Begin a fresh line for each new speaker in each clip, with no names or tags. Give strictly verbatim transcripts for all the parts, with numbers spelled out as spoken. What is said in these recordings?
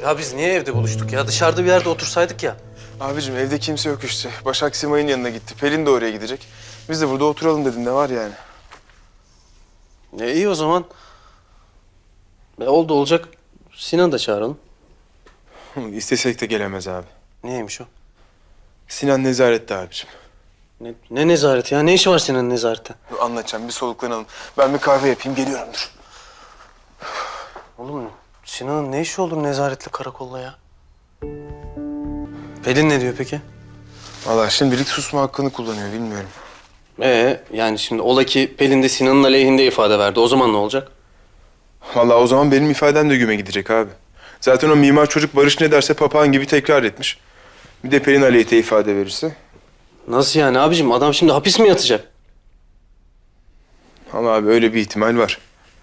Ya biz niye evde buluştuk ya? Dışarıda bir yerde otursaydık ya.
Abicim evde kimse yok işte. Başak Simay'ın yanına gitti. Pelin de oraya gidecek. Biz de burada oturalım dedim, ne var yani?
E iyi o zaman. E, oldu olacak. Sinan'ı da çağıralım.
İstesek de gelemez abi.
Neymiş o?
Sinan nezarette abicim.
Ne, ne nezareti ya? Ne işi var Sinan'ın nezarette?
Dur, anlatacağım, bir soluklanalım. Ben bir kahve yapayım, geliyorum, dur.
Oğlum Sinan'ın ne işi olur nezaretle karakolla ya? Pelin ne diyor peki?
Vallahi şimdilik susma hakkını kullanıyor, bilmiyorum.
Ee yani şimdi ola ki Pelin de Sinan'ın aleyhinde ifade verdi. O zaman ne olacak?
Vallahi o zaman benim ifadem de güme gidecek abi. Zaten o mimar çocuk Barış ne derse papağan gibi tekrar etmiş. Bir de Pelin aleyhte ifade verirse.
Nasıl yani abicim? Adam şimdi hapis mi yatacak?
Ama abi öyle bir ihtimal var.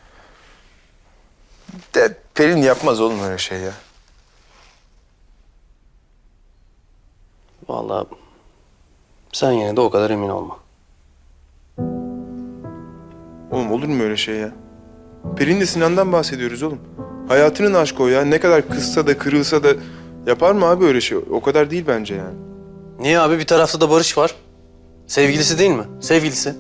De Pelin yapmaz oğlum öyle şey ya.
Vallahi sen yine de o kadar emin olma.
Oğlum olur mu öyle şey ya? Pelin de Sinan'dan bahsediyoruz oğlum. Hayatının aşkı o ya. Ne kadar kızsa da kırılsa da yapar mı abi öyle şey? O kadar değil bence yani.
Niye abi? Bir tarafta da Barış var. Sevgilisi değil mi? Sevgilisi.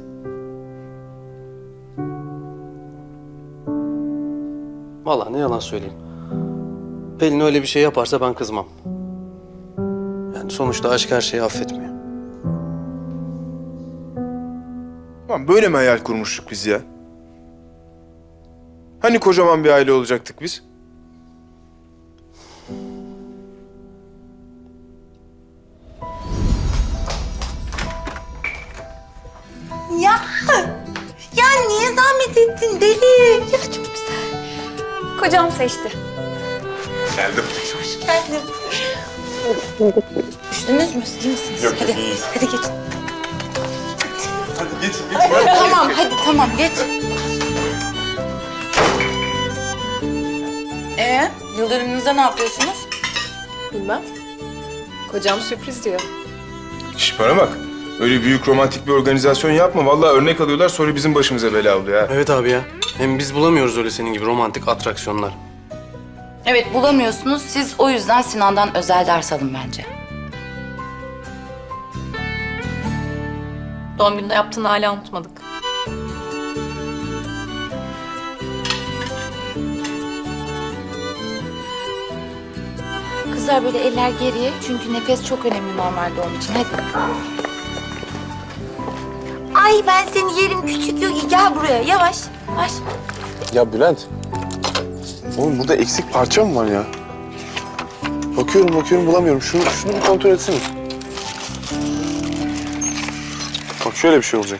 Vallahi ne yalan söyleyeyim. Pelin öyle bir şey yaparsa ben kızmam. Yani sonuçta aşk her şeyi affetmiyor.
Lan böyle mi hayal kurmuştuk biz ya? Hani kocaman bir aile olacaktık biz?
Ya, ya niye zahmet ettin deli? Ya çok güzel.
Kocam seçti.
Geldim.
Hoş geldin. Üşüdünüz mü? İyi misiniz?
Yok,
hadi,
iyiyiz.
hadi geç.
Hadi geç, geç.
Tamam, hadi tamam geç. Ee, yıl dönümünüzde ne yapıyorsunuz?
Bilmem. Kocam sürpriz diyor.
Şş, bana bak. Öyle büyük romantik bir organizasyon yapma. Vallahi örnek alıyorlar, sonra bizim başımıza bela oluyor ha.
Evet abi ya. Hem biz bulamıyoruz öyle senin gibi romantik atraksiyonlar.
Evet, bulamıyorsunuz. Siz o yüzden Sinan'dan özel ders alın bence.
Doğum gününde yaptığını hala unutmadık.
Kızlar böyle eller geriye çünkü nefes çok önemli normal doğum için. Hadi. Ay ben seni yerim küçük yok. Gel buraya yavaş. Yavaş.
Ya Bülent, oğlum burada eksik parça mı var ya? Bakıyorum bakıyorum bulamıyorum. Şunu, şunu bir kontrol etsene. Bak şöyle bir şey olacak.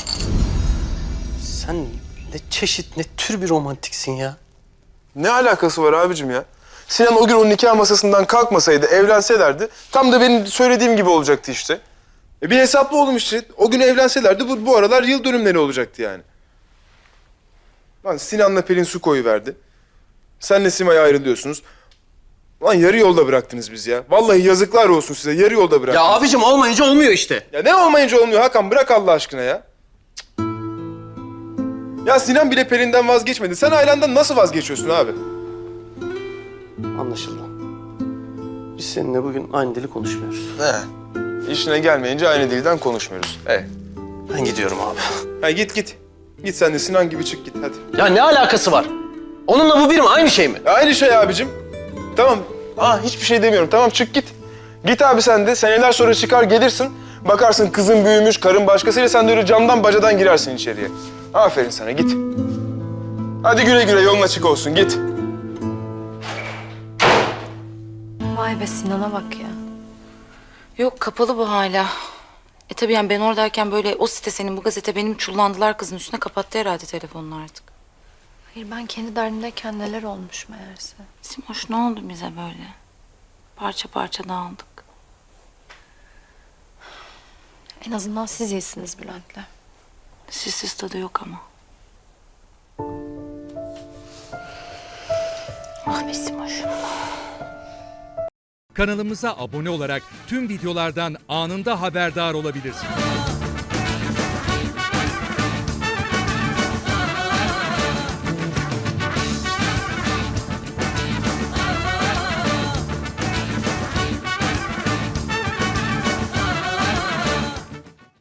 Sen ne çeşit, ne tür bir romantiksin ya.
Ne alakası var abicim ya? Sinan o gün o nikah masasından kalkmasaydı, evlenselerdi tam da benim söylediğim gibi olacaktı işte. E bir hesaplı oğlum işte. O gün evlenselerdi bu, bu aralar yıl dönümleri olacaktı yani. Lan Sinan'la Pelin su koyuverdi. Senle Simay ayrılıyorsunuz. Lan yarı yolda bıraktınız bizi ya. Vallahi yazıklar olsun size. Yarı yolda
Ya
bıraktınız.
abicim olmayınca olmuyor işte.
Ya ne olmayınca olmuyor Hakan, bırak Allah aşkına ya. Cık. Ya Sinan bile Pelin'den vazgeçmedi. Sen ailendan nasıl vazgeçiyorsun abi?
Anlaşıldı. Biz seninle bugün aynı dili konuşmuyoruz.
He. İşine gelmeyince aynı dilden konuşmuyoruz. He.
Ben gidiyorum abi.
Ha git git. Git sen de Sinan gibi çık git hadi.
Ya ne alakası var? Onunla bu bir mi? Aynı şey mi?
Ya aynı şey abicim. Tamam. Aa hiçbir şey demiyorum. Tamam çık git. Git abi sen de. Seneler sonra çıkar gelirsin. Bakarsın kızın büyümüş, karın başkasıyla, sen de öyle camdan bacadan girersin içeriye. Aferin sana, git. Hadi güle güle, yolun açık olsun, git.
Vay be Sinan'a bak ya.
Yok kapalı bu hala. E tabii yani ben oradayken böyle o site senin bu gazete benim çullandılar kızın üstüne, kapattı herhalde telefonunu artık.
Hayır ben kendi derdimdeyken neler olmuş meğerse.
Simoş ne oldu bize böyle? Parça parça dağıldık.
En azından siz iyisiniz Bülent'le.
Sizsiz tadı yok ama. Ah be Simoş.
Kanalımıza abone olarak tüm videolardan anında haberdar olabilirsiniz.